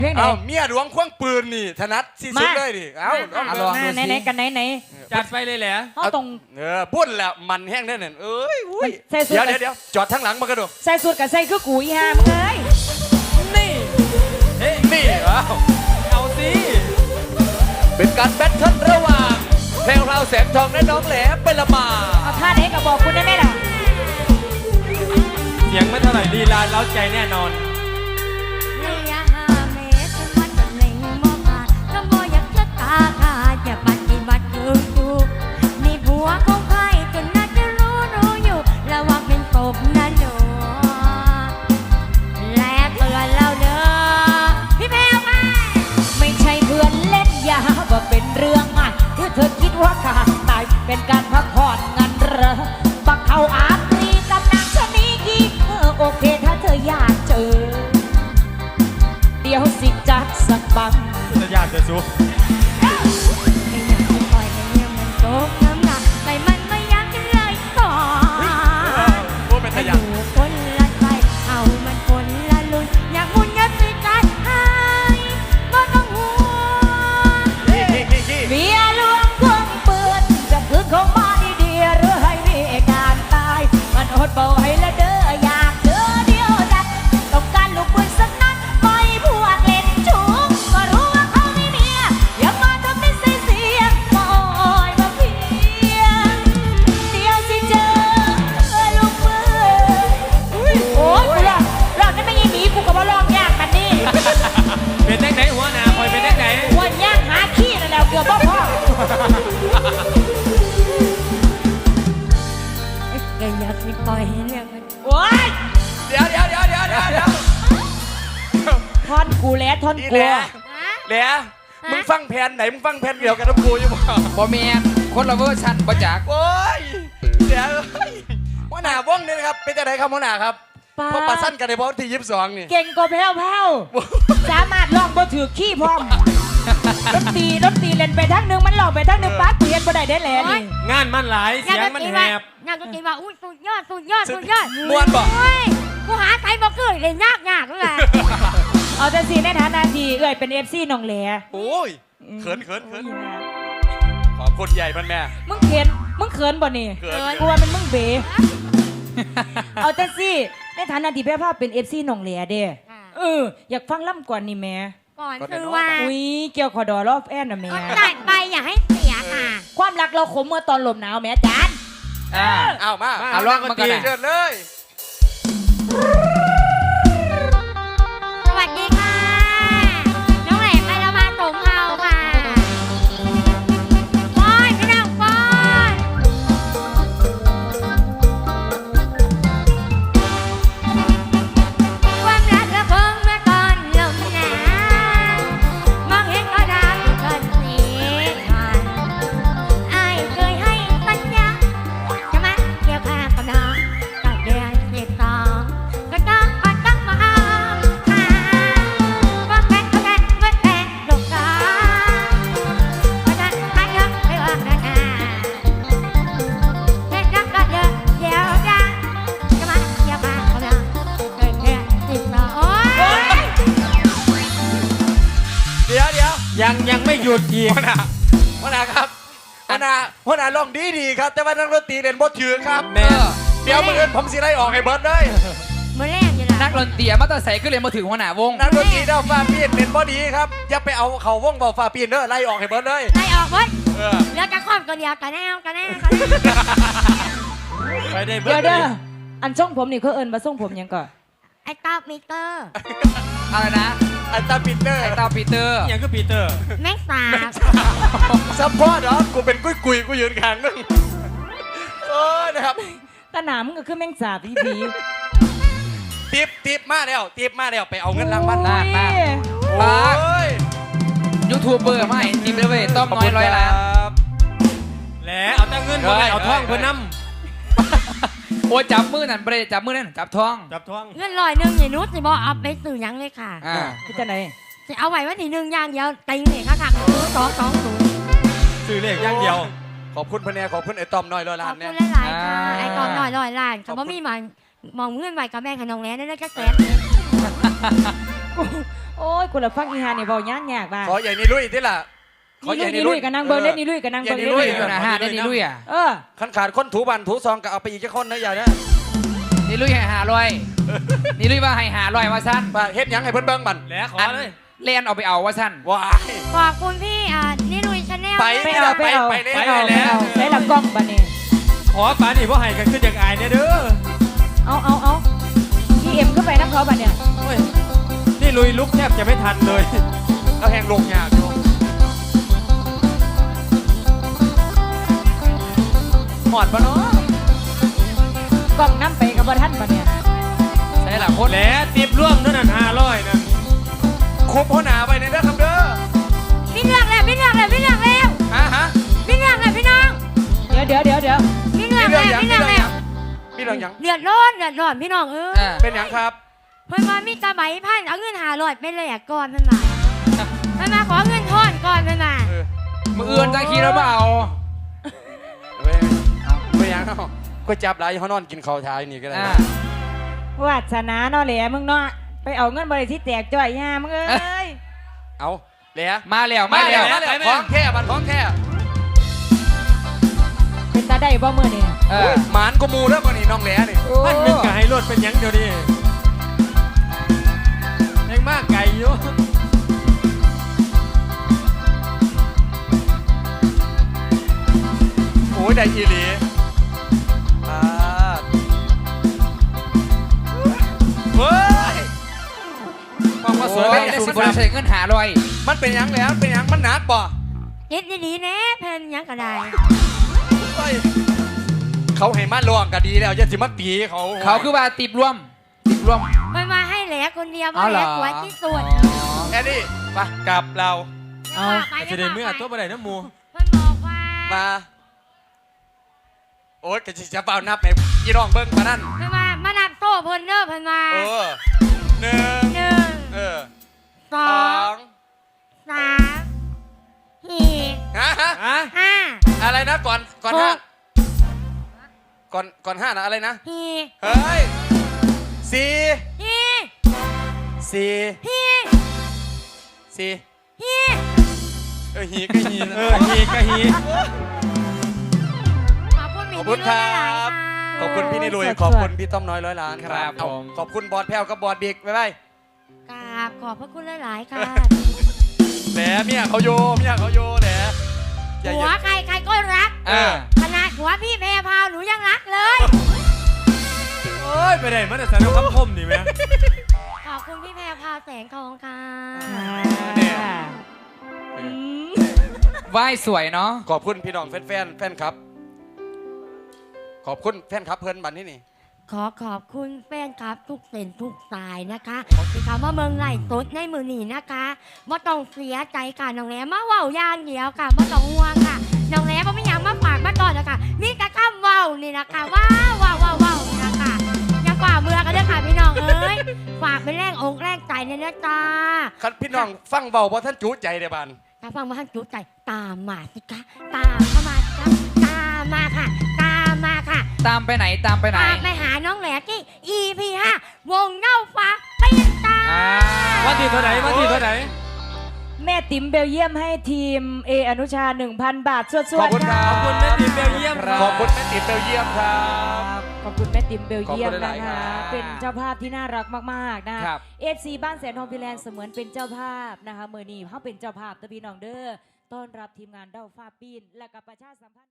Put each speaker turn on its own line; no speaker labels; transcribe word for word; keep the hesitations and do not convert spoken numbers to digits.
เพลงไหน
เอ้าเมียหลวงควงปืนนี่ถนัดที่สุดเลยดิเอ้าลองดู
ไหน
สิ
ไหนกันไหนไหน
จัดไปเลยแหละ
เขาตรง
เออพุ่นแล้วมันแห้งแน่นอนเอ้ยอุ้ย
ใส่สูท
เดี๋ยวเดี๋ยวเดี๋ยวจอดทั้งหลังมากระโดด
ใส่สูทกับใส่คือกูอีห่ามึงเอ้ย
นี่เฮ้ย
นี่เอ้า
เอาสิ
เป็นการแบทเทิลระหว่างแพรวพราวแสงทองและน้องแหลมเป็นละมา
เอาท่าไหนก็บอกคุณได้ไหมล่ะ
เสียงไม่เท่าไหร่ลีลาเล้าใจแน่นอน
ระยะห้าเมตรฉันวัดตำแหน่งมองผ่านก็บ่อยากจะตาขาดจะปฏิบัติอยู่อยู่นี่ผัวของใครจนน่าจะรู้รู้อยู่ระวังเป็นกบนะหนูและเตือนเราเด้อพี่แพรวมา
ไม่ใช่เพื่อนเล่นยาว่าเป็นเรื่องง่ายที่เธอคิดว่าการตายเป็นการพักผ่อนงันเหรอบักเขาอาตรีกับนางชะนีกี่เออโอเคถ้าเธออยากเจอ เดี๋ยวสิจัดสักบัง
จะยากจะสู้
ไม่อยากจะปล่อยให้เรื่องมันโกงน้ำหนักแต่มันไม่อยากจะเลยต่อ
พูดเป็นทะยัน
อยู่คนละใจเอามันคนละลุนอยากมุนยัดสิใจให้บ่ต้องห่วง
ขี้ขี้ขี้ขี้
เมียหลวงควงปืนจะคืนของมาดีๆหรือให้มีการตาย มันอดเบาให้ละเด้ออยากเจอเดียวดัดต้องการลูกปืนสักนัดปล่อยพวกเล่นชู้ก็รู้ว่าเขาไม่เมียอย่ามาทำเป็นเสียเสียงมาอ้อยมาเพียงเดี๋ยวสิเจอลูกปืนโอ้ยกูร้องร้องนั่นไม่ยิงหนีกูก็มาร้องยากกันนี่
เป็นแดงไหนหัวหน้าคอยเป็นแดงไหน
วันย่างหาขี้นั่นแหล้วเกือบบ่พอ
ก็อยากสิปล่อยให้เรื่องมัน
โอ้ย
เดี๋ยวเดี๋ยวเดี๋ยวเดี๋ยวเดี๋ยวเดี๋ยว
ท่อนกูแล้วท่อน
อี
กู
แหละแหละมึงฟังแผนไหนมึงฟังแผนเดียวกันกับกูอยู่บ่
บอเมียนคนละเวอร์ชันประจักษ์
โอ้ยเดี๋ยวเฮ้ยหัวหน้าว่องนี่นะครับเป็นจะไหนครับหัวหน้าครับ
ป้า
เพราะปลาสั้นกันในเพราะที่ยี่สิบสองนี่
เก่งกว่าแพ้วแพ้วสามารถลองบ่ถือขี้พร้อมรถตีรถตีเล่นไปทั้งหนึงมันหลอกไปทั้งหนึงป้ากูเห็นบ่ได้ได้แหละนี่
งานมันหลาย
งาน
เสียง
ดน
มัน
ตรี
แห
ว่า
บ
งานดนตรีว่าอุ้ยสุดยอดสุดยอดสุดยอด
ม่วนบ่
โอ้ยกูหาใครบ่เกิดเลยยากยากเลย
เอาแต่สิในฐานะที่เอ้ยเป็น เอฟ ซี น้องแหล
โอ้ยเขินเขินเขินขอบคุณใหญ่พันแม่
มึงเขินมึงเขินบ่นี่
เขิน
กลัวมันมึงเบ๋เอาแต่สิในฐานะที่แพ้ภาพเป็น เอฟ ซี น้องแหลเด้เอออยากฟังล่ำก่อนนี่แม่
ก่อนคือว่า
อุ้ยเกี่ยวขอดอรอบแอนน่ะแม่
ก็ตัดไปอย่าให้เสียค่ะ
ความรักเราขมเมื่อตอนลมหนาวแม่จาน
อ่า
เอามา
เอาลองมาก่อนนะ
เชิญเลย
สวัสดีค่ะ น้องแหลมไปแล้วมาสมเฮาค่ะป้อนพี่น้องป้อนความรักระเบิงเมื่อก่อนลมหนาวมองเห็นก็ดาวอยู่เกินสีพันอายเคยให้สัญญาจะมาเกี่ยวข้างกับน้องตั้งเดือนสิบสองก็ต้องอดต้องมาเอาค่ะว่าแฟนเขาแฟนเมื่อแฟนลูกกาว่าจะให้เยอะให้ว่านานาแค่รักก็เยอะเดี๋ยวจะจะมาเกี่ยวข้างกับน้องตั้งเดือนสิบสองโอ๊ย
เดี๋ยวเดี๋ยว
ยังยังไม่หยุดอีก
หัวหน้าหัวหน้าครับหัวหน้าหัวหน้าร้องดีดีครับ แต่ว่านักดนตรีเล่นบทถือครับ
แม่
เดี๋ยวมืออื่นผมสิไล่ออกให้เบิร์ดเลย
มือแรกอยู่ละ
นักดนตรีมาตั้งใส่ก็เลยมาถึงหัวหน้าวง
นักดนตรีเด้าฟ้าปีนเล่นบอดีครับอย่าไปเอาเขาวงเบาฟ้าปีนเด้อไล่ออกให้เบิร์ดเลย
ไล่ออกเว้ย
เออ
เหลือจะครอบตัวเดียวกันแน่กันแน่กันแน่
ไปได้เบิ
เดี๋ยว
ด
เด้ออันช่องผมนี่เขาเอิ้นมาส่งผมหยังก่อน
ไอ้ตาปีเตอร์
อะไรนะ
อันตาปินเตอร์
ไอตาปีเตอร์
ยังก็ปีเตอร์
แม็กสาบ
ซัพพอร์ตเหรอกูเป็นกุ้ยกุยกูยืนข้างนึงเออนะครับ
ตาหนามึงก็คือแมงสาบพี่ผี
ติบติบมาแล้วติบมาแล้วไปเอาเงินรางวัล
น่าน่า
โอ้ย
ยูทูบเบอร์ไม่จิมเลยเว้ยต้อมน้อยร้อยล้าน
แหละเอาแต่เงินมาเอาท่องเพื่อนน้
โอ้ยจับมือนั่นเบรจับมือนั่นจับท้อง
ำจับท่อง
เงินลอยหนึ่งอย่านุชสิบอกเอาไปสื่อหยังเลยค่ะ
อ่า
พี่จะไหน
สิเอาไว้ว่าทีหนึ่งอย่างเดียวติงเลยค่ะค่ะสองสองศูนย์
ซื้อเลขอย่างเดียว
ขอบคุณพะแนขอบคุณไอ้ต้อมน้อยร้อย
ข
ล้า
อน บ
เนี่
คุ
ย
ณหลายๆค่ะไอ้กองหน่อยลอยล้านเขาบ่มีมันมองเงื่อนไหวกับแม่ขนมแล้วนั่นก็แสน
กูโโอ้ยกูละฟังอีหานี่เว้ายากยากบ้า
ขอใหญ่นี่ลุยที่ล่ะขอ
นี่
ให
ลุ
ญ่
ยนี่ลุยกับนางเบิร์เล่นนี่ลุยกับนาง
ใหญ่
เบิร์
นี่
เล่น
ลุย
นี่
นะฮะได้นี่ลุยอ่ะ
เออ
ขันขาดคนถูบันถูซองก็เอาไปอีกแค่คนนะอย่านะ
นี่ลุยให้หาลอยนี่ลุยว่าให้หาลอยว่าสั้น
มาเฮ็ดหยังให้เพิ่นเบิ่งบัน
แล้วขอเลยเล่นเอาไปเอาว่าสั้น
ว้าย
ขอบคุณพี่อ่านี่ลุยชาแนล
ไป
ไปเอาไปเอา
ไป
ไป
เลย
เอา
ไป
ไป
แล้ว
เอาใส่ละกล้องบัดนี้
ขอปานี่ว่าให้กันขึ้นอย่างอายเนี่ยเด้อ
เอาเอาเอาพี่เอ็มก็ไปน้ำเขาบัดเนี่ย
โอ้ยนี่ลุยลุกแทบจะไม่ทันเลย
เอาแหงลงยากอยู่หมอดปะเนาะ
กล้องน้ำไปกับบท่านบัดเนี่ย
ใช่หลังคนแหล้วติบร่วมนั่นน่ะห้าร้อยนั่น
คุบหัวหน้าไปในเด้อครับเด้อ
พี่เลือกแล้วพี่เลือกแล้วพี่เลือกแล้ว
ฮะฮะ
พี่เลือกแล้วพี่น้อง
เดี๋ยวเดี๋ยวเดี๋ยวเดี๋ยว
พี่เลือก
มี
แล้ว
เรื่องหยัง
พี่
มี
เลือก
เรื่องห
แล้ว
ยังมีเรื่องหยัง
เดือดร้อนเดือดร้อนพี่น้องเออ
เป็นหยังครับ
เพิ่นมามีตาใบพันเอาเงินหาลอยไปเลยอ่ะก่อนเพิ่นมาเพิ่นมาขอเงินทอนก่อนเพิ่นมา
เออ
มืออื่นจะขี่แล้วเปล่า
เว้ยเป็นหยังเนาะก็จับหลายเขานอนกินข้าวเช้าอยู่นี่ก็ได้
อ่า
นะ
วาสนาเนาะแหละมึงเนาะไปเอาเงินบริษัทแตกจ่อยย่ามึงเอ้ย
เอาเหลีย
มาแล้ว
มา
มา
แล้
แล้ว ว
มาแล้วของแค่บันของแค่
เป็นตาได้บ่มือนี่
เออ
หมานกูมูแล้วมันนี่น้องแหล่นี่
พันหนึ่งกับให้รถเป็นหยังเดียวดิยังมากไก่อยู่
โอ้ยได้อีหลีอ่าเฮ้ย
ความว่าสวย
โอ้
ไม่
ย
ได้สุดคนใช้เงินหาลอย
มันเป็นหยังแล้วเป็นหยังมันหนักบ่
เฮ็ดดีๆแน่เพิ่นหยังก็ได้
เฮ้ยเขาให้มาลวงก็ดีแล้วจะสิมาตีเขา
เขาคือว่าติบร่วมติบร่วม
เพิ่นมาให้แหลคนเดียวเพ
เอา
ราะ
เห
แห
ร
ล
อ
สวยที่สุด
แอนนี่ไปกลับเรา
เอา
ไป
จะได้เมื่อตัวบ่ได้น้ำมู
เพิ่นบอกว่า
มา โอ๊ยกะสิจะเปล่านับให้ยี่น้องเบิ้งมานั่น
เพิ่นมามานับโต้เพิ่นเด้อเพิ่นมา
เออหนึ่ง
หนึ่ง
เออ
ส
ส
อ
อง ง
สามสี่
ฮะฮะ
อ่ะ
ห้า
อะไรนะก่อนก่อน
หก
ห้าก่อนก่อนห้านะอะไรนะ
สี่
เฮ้ยสี่
สี่
สี่
สี่
สี่
สี่
เออหีก็หีนะ
เออฮีกะฮี
ขอบคุณ
ขอบคุณครับ ขอบคุณพี่นิลุยขอบคุณพี่ต้อมน้อยร้อยล้านครับเอาขอบคุณบอสแพ้วกับบอสบิ๊กบ๊ายบาย
กราบขอบพระคุณหลาย ๆ ค่ะ
แหมเมียเขาโยเมียเขาโยแหมอย่า
หั
อ
ว
ย่า
ใครใครก็รัก
เออ
ขนาดหัวพี่แพรพราวหนูยังรักเลย
โอ้ยไปไหนมาแต่สารพัดคมนี่แม่
ขอบคุณพี่แพรพราวแสงทองค่ะ
เนี่ย
อืม
ไหว้สวยเนาะ
ขอบคุณพี่น้องแฟนแฟนแฟนครับ ขอบคุณแฟนครับเพิ่นบันที่นี่
ขอขอบคุณแฟนคลับทุกเส้นทุกสายนะคะที่คำว่าเมืองไหลตดในมือหนีนะคะไม่ต้องเสียใจค่ะน้องแหลมมาเว้าอย่างเดียวค่ะไม่ต้องห่วงค่ะน้องแหลมก็ไม่อยากมาฝากมาก่อนนะคะมีแต่คำเว้านี่นะคะว้าวว้าวว้าวว้าวนี่นะคะอย่าฝ่าเมือกันด้วยค่ะพี่น้องเอ้ยฝากเป็นแรงอกแรงใจเนี่ยนะจ๊ะ
คันพี่น้องฟังเบาเพราะท่านจูใจเด้บัน
ถ้าฟังมาท่านจุใจตามมาสิคะตามเข้ามาสิคะตามมาค่ะ ตามมาค่ะ
ตามไปไหนตามไปไหน
ตามไปหาน้องแหลกที่ อี พี ห้าวงเน่าฟ้าเป็นตา
อ่าวันที่เท่าไหร่วันที่เท่าไหร่
แม่ติ๋มเบลเยียมให้ทีมเออนุชา หนึ่งพัน บาทสวดๆ
ขอบคุณครั
ขอบคุณแม่ติ๋มเบลเยียมครับ
ขอบคุณแม่ติ๋มเบลเยียมครับ
ขอบคุณแม่ติ๋มเบลเยียม
ขอบคุณห
นะ
ลายๆครั
คะ
บ
เป็นเจ้าภาพที่น่ารักมากๆนะครับ เอฟซีบ้านแสนทองพิแลนด์เสมือนเป็นเจ้าภาพนะคะเมื่อนี้เขาเป็นเจ้าภาพตะพี่น้องเด้อต้อนรับทีมงานเด้าฟ้าปีนและกับประชาสัมพันธ์